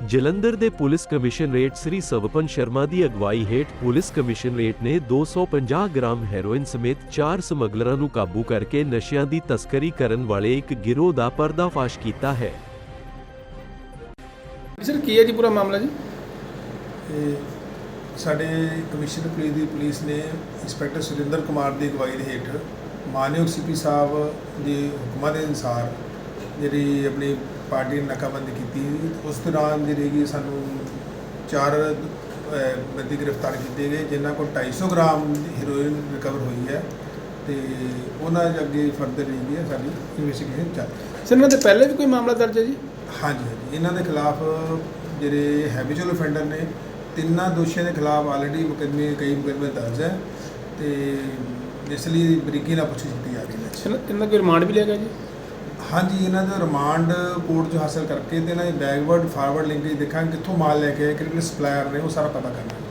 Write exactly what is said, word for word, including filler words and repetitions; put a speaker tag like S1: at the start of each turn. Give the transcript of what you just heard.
S1: ਜਲੰਧਰ ਦੇ police commissionerate Shri Swapan Sharma ਦੀ ਅਗਵਾਈ ਹੇਠ ਪੁਲਿਸ ਕਮਿਸ਼ਨਰੇਟ ਨੇ ਦੋ ਸੌ ਪੰਜਾਹ ਗ੍ਰਾਮ ਹੈਰੋਇਨ ਸਮੇਤ ਚਾਰ ਸਮਗਲਰਾਂ ਨੂੰ ਕਾਬੂ ਕਰਕੇ ਨਸ਼ਿਆਂ ਦੀ ਤਸਕਰੀ ਕਰਨ ਵਾਲੇ ਇੱਕ ਗਿਰੋਹ ਦਾ ਪਰਦਾਫਾਸ਼ ਕੀਤਾ ਹੈ।
S2: ਸਰ ਕੀ ਹੈ ਜੀ ਪੂਰਾ ਮਾਮਲਾ ਜੀ?
S3: ਸਾਡੇ ਕਮਿਸ਼ਨਰ ਪੁਲਿਸ ਦੀ ਪੁਲਿਸ ਨੇ ਇੰਸਪੈਕਟਰ ਸੁਰਿੰਦਰ ਕੁਮਾਰ ਦੀ ਅਗਵਾਈ ਦੇ ਹੇਠ ਮਾਨਯੋਗ ਸੀਪੀ ਸਾਹਿਬ ਦੇ ਹੁਕਮਾਂ ਦੇ ਅਨੁਸਾਰ ਜਿਹੜੀ ਆਪਣੀ ਪਾਰਟੀ ਨੇ ਨਾਕਾਬੰਦੀ ਕੀਤੀ। ਉਸ ਦੌਰਾਨ ਜਿਹੜੀ ਕਿ ਸਾਨੂੰ ਚਾਰ ਬੰਦੇ ਗ੍ਰਿਫਤਾਰ ਕੀਤੇ ਗਏ ਜਿਨ੍ਹਾਂ ਕੋਲ ਢਾਈ ਸੌ ਗ੍ਰਾਮ ਹੈਰੋਇਨ ਰਿਕਵਰ ਹੋਈ ਹੈ ਤੇ ਉਹਨਾਂ ਦੇ ਅੱਗੇ ਫਰਦਰ ਜਿਹੜੀ ਹੈ ਸਾਡੀ ਇਨਵੈਸਟੀਗੇਸ਼ਨ ਚੱਲ ਰਹੀ ਹੈ।
S2: ਸਰ ਇਹਨਾਂ ਦੇ ਪਹਿਲੇ ਵੀ ਕੋਈ ਮਾਮਲਾ ਦਰਜ ਹੈ ਜੀ?
S3: ਹਾਂਜੀ ਹਾਂਜੀ ਇਹਨਾਂ ਦੇ ਖਿਲਾਫ ਜਿਹੜੇ ਹੈਬਿਚੁਅਲ ਅਫੈਂਡਰ ਨੇ ਤਿੰਨਾਂ ਦੋਸ਼ੀਆਂ ਦੇ ਖਿਲਾਫ ਆਲਰੇਡੀ ਮੁਕੱਦਮੇ ਕਈ ਮੁਕੱਦਮੇ ਦਰਜ ਹੈ ਤੇ ਇਸ ਲਈ ਬਰੀਕੀ ਨਾਲ ਪੁੱਛ ਕੀਤੀ ਜਾ ਰਹੀ ਹੈ।
S2: ਇਹਨਾਂ ਦਾ ਕੋਈ ਰਿਮਾਂਡ ਵੀ ਲਿਆ ਗਿਆ ਜੀ?
S3: ਹਾਂਜੀ ਇਹਨਾਂ ਦਾ ਰਿਮਾਂਡ ਕੋਰਟ 'ਚ ਹਾਸਲ ਕਰਕੇ ਤੇ ਇਹਨਾਂ ਦੀ ਬੈਕਵਰਡ ਫਾਰਵਰਡ ਲਿੰਕੇਜ ਦੇਖਾਂਗੇ ਕਿੱਥੋਂ ਮਾਲ ਲੈ ਕੇ ਆਏ, ਕਿਹੜੇ ਸਪਲਾਇਰ ਨੇ, ਉਹ ਸਾਰਾ ਪਤਾ ਕਰਨਾ।